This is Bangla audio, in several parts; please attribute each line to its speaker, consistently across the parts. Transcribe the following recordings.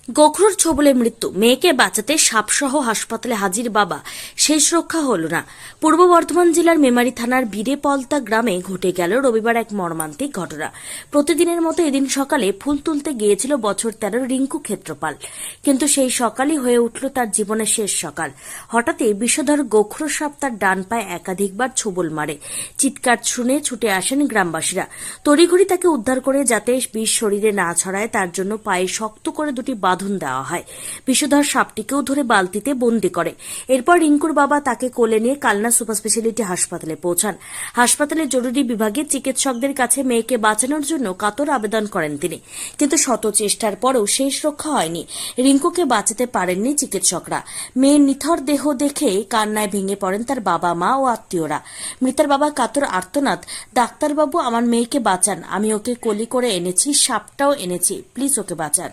Speaker 1: গোখরোর ছোবলে মৃত্যু, মেয়েকে বাঁচাতে সাপসহ হাসপাতালে হাজির বাবা, শেষ রক্ষা হল না। পূর্ব বর্ধমান জেলার মেমারি থানার বীরেপলতা গ্রামে ঘটে গেল রবিবার এক মর্মান্তিক ঘটনা। প্রতিদিনের মতো এদিন সকালে ফুল তুলতে গিয়েছিল বছর 13 রিঙ্কু ক্ষেত্রপাল, কিন্তু সেই সকালই হয়ে উঠল তার জীবনের শেষ সকাল। হঠাৎই বিষধর গোখরো সাপ তার ডান পায়ে একাধিকবার ছোবল মারে। চিৎকার শুনে ছুটে আসেন গ্রামবাসীরা। তড়িঘড়ি তাকে উদ্ধার করে যাতে বিষ শরীরে না ছড়ায় তার জন্য পায়ে শক্ত করে দুটি বাঁধন দেওয়া হয়। বিষধর সাপটিকেও ধরে বালতিতে বন্দি করে। এরপর রিঙ্কুর বাবা তাকে কোলে নিয়ে কালনা সুপার স্পেশালিটি হাসপাতালে পৌঁছান। হাসপাতালের জরুরি বিভাগে চিকিৎসকদের কাছে মেয়েকে বাঁচানোর জন্য কাতর আবেদন করেন তিনি, কিন্তু শত চেষ্টার পরেও শেষ রক্ষা হয়নি। রিঙ্কুকে বাঁচাতে পারেননি চিকিৎসকরা। মেয়ের নিথর দেহ দেখে কান্নায় ভেঙে পড়েন তার বাবা, মা ও আত্মীয়রা। মৃতার বাবা কাতর আর্তনাদ, ডাক্তারবাবু আমার মেয়েকে বাঁচান, আমি ওকে কোলে করে এনেছি, সাপটাও এনেছি, প্লিজ ওকে বাঁচান।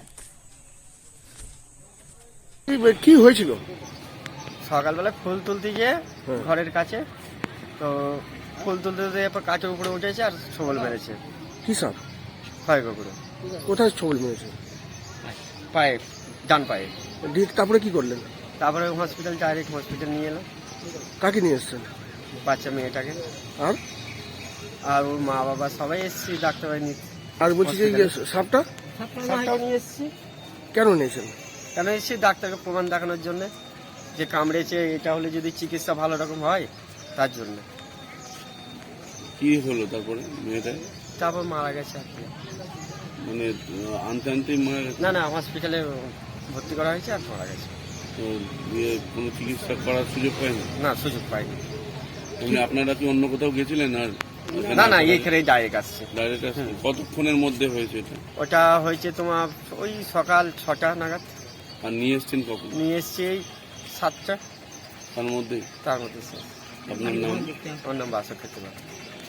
Speaker 2: কি হয়েছিল?
Speaker 3: সকালবেলা ফুল তুলতে গিয়ে ঘরের কাছে তো ফুল তুলতে তুলতে এরপর কাঠের উপরে উঠেছে আর ছোবল মেরেছে।
Speaker 2: কি সাপ?
Speaker 3: হয় কুকুরে
Speaker 2: কোথায় ছোবল মেরেছে?
Speaker 3: পায়ে, ডান পায়ে।
Speaker 2: তারপরে কি করলেন?
Speaker 3: তারপরে হসপিটাল, ডাইরেক্ট হসপিটাল নিয়ে এলাম।
Speaker 2: কাকে নিয়ে এসছেন?
Speaker 3: বাচ্চা মেয়েটাকে
Speaker 2: আর
Speaker 3: আর ওর মা বাবা সবাই এসেছি ডাক্তারবাড়ি নিয়ে।
Speaker 2: আর বলছি যে সাপটা
Speaker 3: সাপটাও নিয়ে এসেছি।
Speaker 2: কেন নিয়েছেন?
Speaker 3: কেন এসেছি ডাক্তারকে প্রমাণ দেখানোর জন্য যে কামড়েছে, এটা হলে যদি চিকিৎসা ভালো রকম হয় তার জন্য।
Speaker 4: কি হলো তারপরে মেয়েটা?
Speaker 3: তারপর মারা গেছে আর কি।
Speaker 4: মানে আনতে আনতেই মারা গেছে?
Speaker 3: না না, হসপিটালে ভর্তি করা হয়েছে আর মারা গেছে।
Speaker 4: তো কোনো চিকিৎসা করার সুযোগ পায়নি?
Speaker 3: না, সুযোগ পাইনি।
Speaker 4: এমনি আপনারা কি অন্য কোথাও গেছিলেন? আর
Speaker 3: না না, এইখানে ডাইরেক্ট আসছে।
Speaker 4: ডাইরেক্ট আসছে? কতক্ষণের মধ্যে হয়েছে এটা?
Speaker 3: ওটা হয়েছে তোমার ওই সকাল 6টা নাগাদ।
Speaker 4: আর নিয়ে এসছেন কখন?
Speaker 3: নিয়ে এসছি এই 7টা,
Speaker 4: তার মধ্যে?
Speaker 3: তার মধ্যে শেষ।
Speaker 4: আপনার নাম?
Speaker 3: আমার নাম বাসক খেতে পারে।